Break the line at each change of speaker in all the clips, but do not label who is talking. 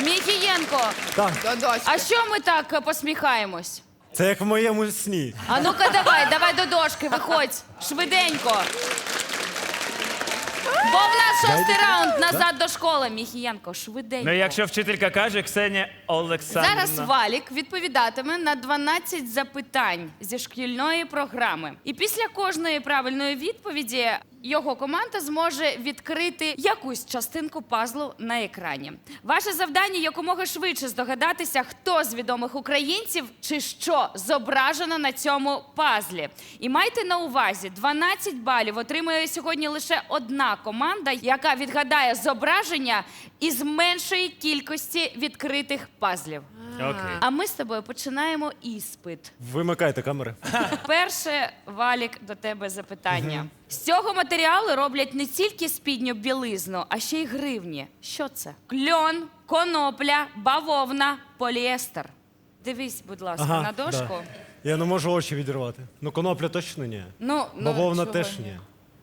Міхієнко,
Так,
а що ми так посміхаємось?
це як в моєму сні.
А ну-ка давай до дошки, виходь, швиденько. Бо в нас шостий раунд назад до школи, Міхієнко, швиденько.
Ну, якщо вчителька каже, Ксенія Олександрівна.
Зараз Валік відповідатиме на 12 запитань зі шкільної програми. І після кожної правильної відповіді його команда зможе відкрити якусь частинку пазлу на екрані. Ваше завдання якомога швидше здогадатися, хто з відомих українців чи що зображено на цьому пазлі. І майте на увазі, 12 балів отримує сьогодні лише одна команда, яка відгадає зображення із меншої кількості відкритих пазлів.
Окей.
А ми з тобою починаємо іспит.
Вимикайте камери.
Перше, Валік, до тебе запитання. З цього матеріалу роблять не тільки спідню білизну, а ще й гривні. Що це? Кльон, конопля, бавовна, поліестер. Дивись, будь ласка, на дошку.
Да. Я не можу очі відірвати. Ну, конопля точно ні. Бавовна
чого
теж
ні?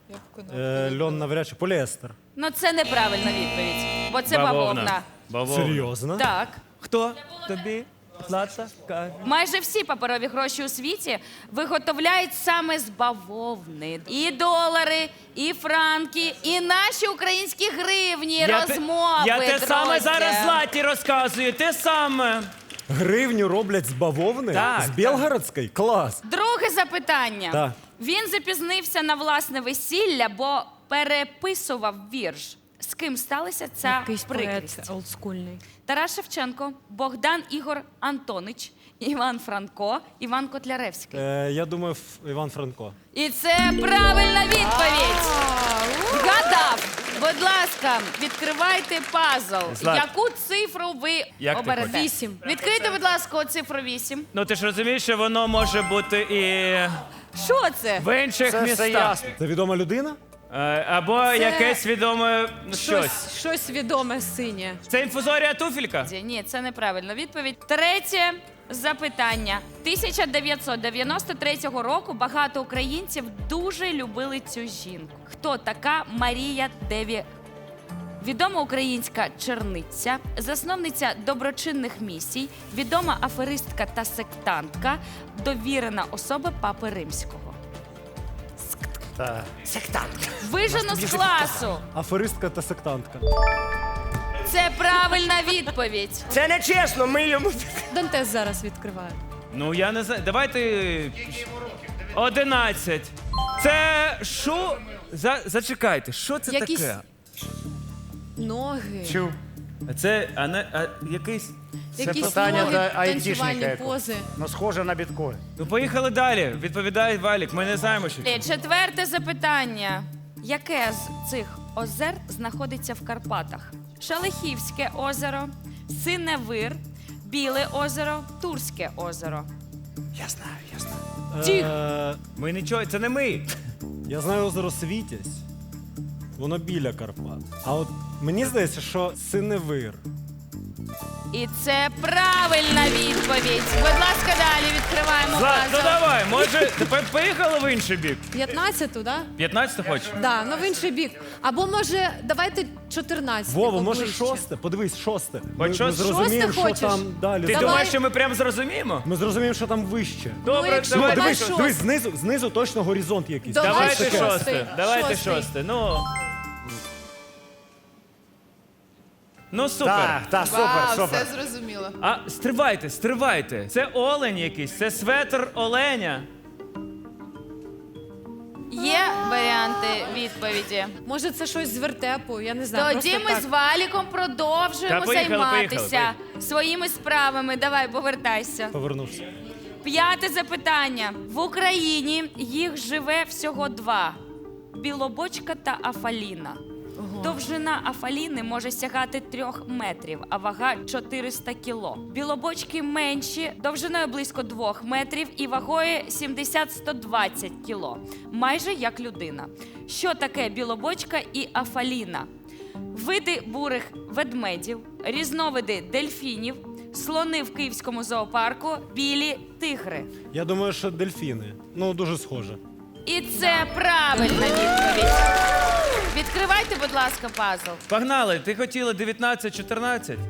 ні. Льон навряд чи. Поліестер.
Ну, це неправильна відповідь, бо це бавовна.
Серйозно?
Так.
Хто тобі, Злата, каже?
Майже всі паперові гроші у світі виготовляють саме з бавовни. І долари, і франки, і наші українські гривні, розмови,
Я те саме
друзі.
зараз Златі розказую, те саме.
Гривню роблять з бавовни?
Так,
З Білгородської? Клас.
Друге запитання.
Так.
Він запізнився на власне весілля, бо переписував вірш. З ким сталася ця
Якийсь
прикрість?
поет олдскульний.
Тарас Шевченко, Богдан Ігор Антонич, Іван Франко, Іван Котляревський.
Я думаю, Іван Франко.
І це правильна відповідь. Вгадав. Будь ласка, відкривайте пазл.
Злат.
Яку цифру ви
Як ти
оберете?
хочеш?
8.
Відкрийте, будь ласка, цифру 8.
Ну ти ж розумієш, що воно може бути і
Що це?
в інших містах.
Це відома людина?
Або якесь відоме щось.
Щось відоме синє.
Це інфузорія туфелька?
Ні, це неправильна відповідь. Третє запитання. 1993 року багато українців дуже любили цю жінку. Хто така Марія Деві? Відома українська черниця, засновниця доброчинних місій, відома аферистка та сектантка, довірена особа Папи Римського. Вижену з класу.
Аферистка та сектантка.
Це правильна відповідь.
Це не чесно, ми йому...
Дантес зараз відкриває.
Ну я не знаю. Давайте 11. Це що? Зачекайте, що це
Якісь
таке?
Ноги.
Чув.
Це якийсь.
Якісь
питання
ноги,
до
танцювальні
айтішника якогось.
пози.
Ну, схоже на біткоін.
Ну поїхали далі. Відповідає Валік. Ми не знаємо, що це.
Четверте запитання. Яке з цих озер знаходиться в Карпатах? Шалихівське озеро, Синевир, Біле озеро, Турське озеро.
Я знаю.
Тих.
Ми нічого, це не ми.
Я знаю озеро Світязь. Воно біля Карпат. А от мені здається, що Синевир.
І це правильна відповідь. Будь ласка, далі відкриваємо
Злат, ну
пазл.
давай, може, тепер поїхали в інший бік?
15-ту, да?
15 хочеш?
Да, ну в інший бік. Або може, давайте 14.
Вова, може шосте? Подивись, шосте. Ми
шосте?
зрозуміємо,
Шосте
що
хочеш?
там далі.
Ти
Давай.
думаєш, що ми прям зрозуміємо?
Ми зрозуміємо, що там вище.
Добре,
якщо
Ну,
давайте
давай
дивись,
шосте.
дивись, знизу точно горизонт якийсь.
Давай
Давайте
шостий.
шосте. Давайте
Шостий.
шосте. Ну супер.
Так, супер.
Зрозуміло.
А стривайте. Це олень якийсь, це светр оленя.
Є варіанти відповіді.
Може, це щось з вертепу, я не знаю.
Тоді
просто
ми
так.
з Валіком продовжуємо
Та поїхали,
займатися
поїхали.
своїми справами. Давай, повертайся.
Повернувся.
П'яте запитання. В Україні їх живе всього 2. Білобочка та Афаліна. Довжина Афаліни може сягати 3 метрів, а вага 400 кіло. Білобочки менші, довжиною близько 2 метрів і вагою 70-120 кіло. Майже як людина. Що таке білобочка і Афаліна? Види бурих ведмедів, різновиди дельфінів, слони в Київському зоопарку, білі тигри.
Я думаю, що дельфіни. Ну, дуже схоже.
І це правильна відповідь. Відкривайте, будь ласка, пазл.
Погнали, ти хотіла 19-14?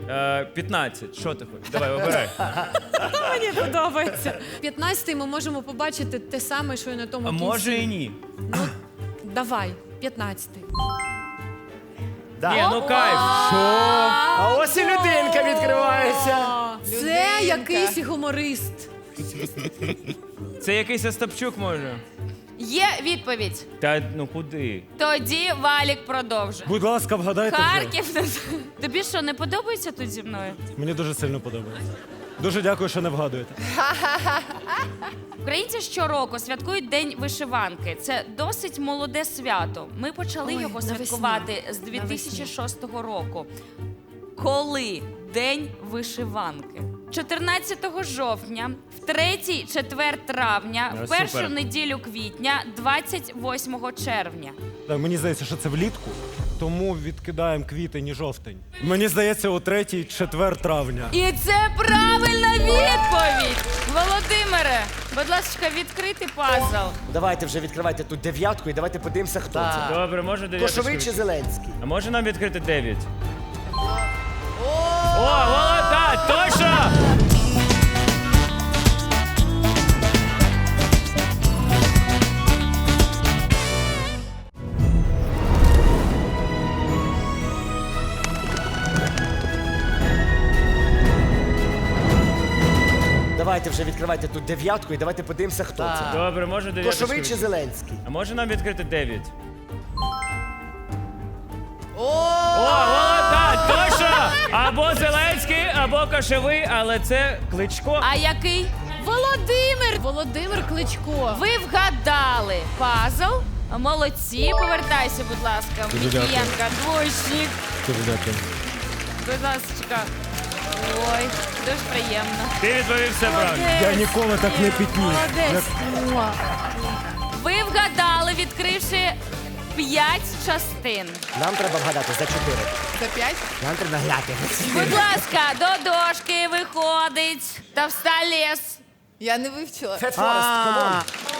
15. Що ти хочеш? Давай, обирай.
Мені подобається. 15-й ми можемо побачити те саме, що і на тому
А
кінці.
може і ні.
Ну, давай, 15-й.
Ні, ну кайф.
А ось і людинка відкривається.
Це якийсь гуморист.
Це якийсь Остапчук може.
Є відповідь.
Та ну куди?
Тоді Валік продовжує.
Будь ласка, вгадайте. вже.
Харків. Тобі що, не подобається тут зі мною?
Мені дуже сильно подобається. Дуже дякую, що не вгадуєте.
Українці щороку святкують День вишиванки. Це досить молоде свято. Ми почали
Ой,
його
навесні.
святкувати з 2006 року. Коли День вишиванки? 14 жовтня, в 3-4 травня, в першу
супер.
неділю квітня, 28 червня.
Так, мені здається, що це влітку, тому відкидаємо квітень і жовтень. Мені здається, о 3-4 травня.
І це правильна відповідь! Володимире, будь ласка, відкрити пазл.
Давайте вже відкривайте тут 9 і давайте подивимося, хто це.
Добре, може 9.
Кошовий чи Зеленський?
А може нам відкрити 9? О, молода, точно!
Давайте вже відкривайте тут 9 і давайте подивимося, хто це.
Добре, може 9.
Кошовий чи Зеленський?
А може нам відкрити 9? О, молода, точно! Або Зеленський, або Кошовий, але це Кличко.
А який?
Володимир Кличко.
Ви вгадали пазл. Молодці, повертайся, будь ласка.
Дуже дякую.
Мікієнка, двоєчник.
Дуже дякую.
Будь ласка. Ой, дуже приємно.
Ти відповів все правильно.
Я ніколи так не пітнів.
Молодець.
Ви вгадали, відкривши 5 частин.
Нам треба вгадати за 4.
За 5?
Нам треба грати.
Будь ласка, до дошки виходить Товсталес.
Я не вивчила.
Фет Форест, камон.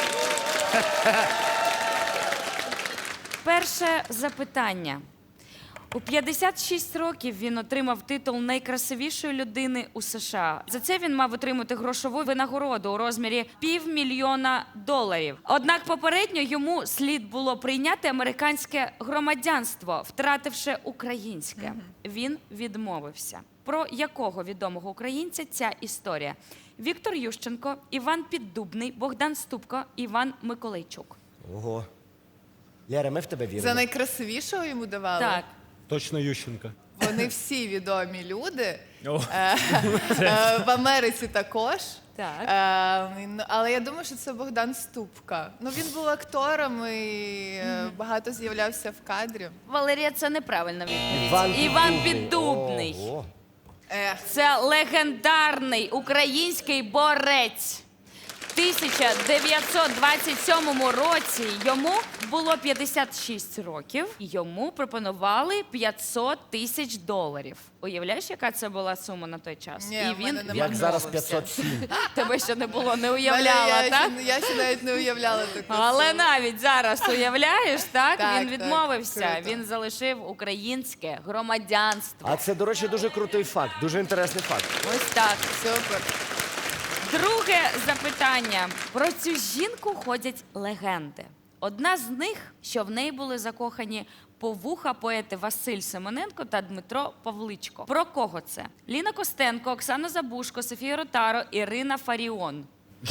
Перше запитання. У 56 років він отримав титул найкрасивішої людини у США. За це він мав отримати грошову винагороду у розмірі $500,000. Однак попередньо йому слід було прийняти американське громадянство, втративши українське. Він відмовився. Про якого відомого українця ця історія? Віктор Ющенко, Іван Піддубний, Богдан Ступко, Іван Миколайчук.
Ого. Лєра, ми в тебе
За
віримо.
найкрасивішого йому давали?
Так.
Точно Ющенка.
Вони всі відомі люди.
О.
В Америці також.
Так.
Але я думаю, що це Богдан Ступка. Ну, він був актором і багато з'являвся в кадрі.
Валерія, це неправильна відповідь. Іван Піддубний.
Ого.
Ех,
Це легендарний український борець. В 1927 році йому було 56 років. Йому пропонували $500,000. Уявляєш, яка це була сума на той час?
Ні,
І
в
він
мене немає.
Як зараз
відмовився.
507.
Тебе ще не було, не уявляла,
я
так?
Я ще навіть не уявляла таку.
Але
суму.
навіть зараз уявляєш, так?
Так,
Він
так,
відмовився.
круто.
Він залишив українське громадянство.
А це, до речі, дуже крутий факт, дуже інтересний факт.
Ось так.
Супер.
Друге запитання. Про цю жінку ходять легенди. Одна з них, що в неї були закохані повуха поети Василь Симоненко та Дмитро Павличко. Про кого це? Ліна Костенко, Оксана Забушко, Софія Ротаро, Ірина Фаріон.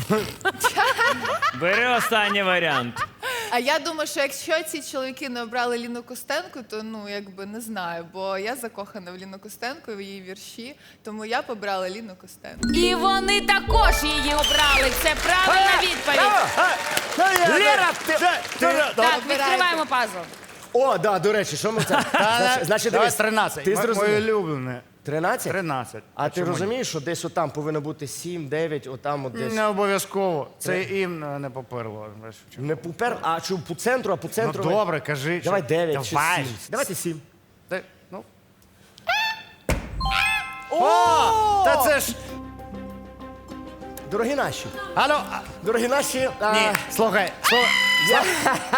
Бери останній варіант.
А я думаю, що якщо ці чоловіки не обрали Ліну Костенко, то ну якби не знаю, бо я закохана в Ліну Костенко, в її вірші, тому я побрала Ліну Костенко.
І вони також її обрали. Це правильна відповідь.
Лєра, ти...
Так, відкриваємо пазл.
О, да, до речі, що ми це? Значить,
Давай
дивись,
13.
Ти
Моє
зрозумів.
улюблене.
13?
13.
А ти
чому ні?
розумієш, що десь отам повинно бути 7, 9, отам от десь.
Не обов'язково. Це їм не поперло. Знаєш, в чому?
Не пупер, а чи по центру, а по
Ну
центру.
добре, кажи.
Давай
що-
9 чи
Давай.
7. Давайте 7.
Ну. О! Та це ж.
Дорогі наші.
Алло.
Дорогі наші.
Ні, слухай.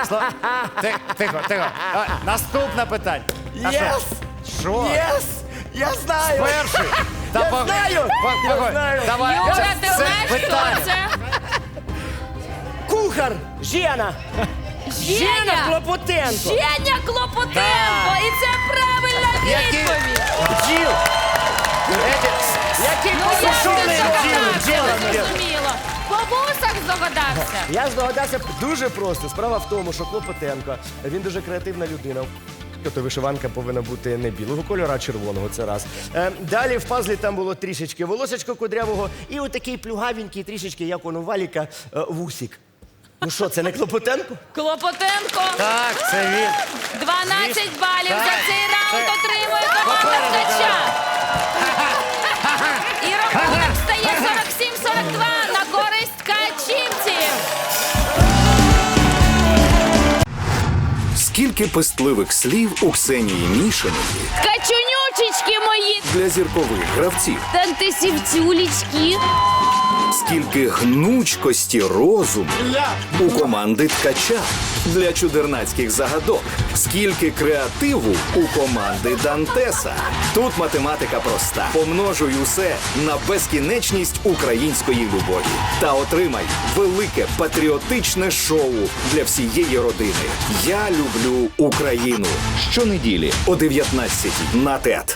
Тихо, тихо. Наступне питання. А що?
Єс!
Що?
Єс! Я знаю!
Перший.
Я знаю! Я знаю!
Давай.
Юра, ти
Це
знаєш,
питання.
хто це?
Кухар! Жена!
Женя!
Клопотенко!
Женя Клопотенко! І це правильна відповідь!
Бджіл!
Який
Ну як ти
Сушений
здогадався?
бджіл,
Не зрозуміло. По вусах здогадався.
Я здогадався дуже просто. Справа в тому, що Клопотенко, він дуже креативна людина. То вишиванка повинна бути не білого кольору, а червоного, це раз. Далі в пазлі там було трішечки волосечко кудрявого і отакий плюгавенький, трішечки, як он у Валіка, вусік. Ну що, це не Клопотенко?
Клопотенко.
Так, це він.
12 балів
Так,
за цей раунд
це
отримує команда
попереду,
Ткача. І рахунок стає 47-42 на користь ткачівців.
Скільки пестливих слів у Ксенії Мішиної
Ткачунючечки мої.
для зіркових гравців,
Тантисівцюлічки.
скільки гнучкості розуму у команди Ткача для чудернацьких загадок, скільки креативу у команди Дантеса. Тут математика проста. Помножуй усе на безкінечність української любові та отримай велике патріотичне шоу для всієї родини. Я люблю Україну. Щонеділі о 19:00 на ТЕТ.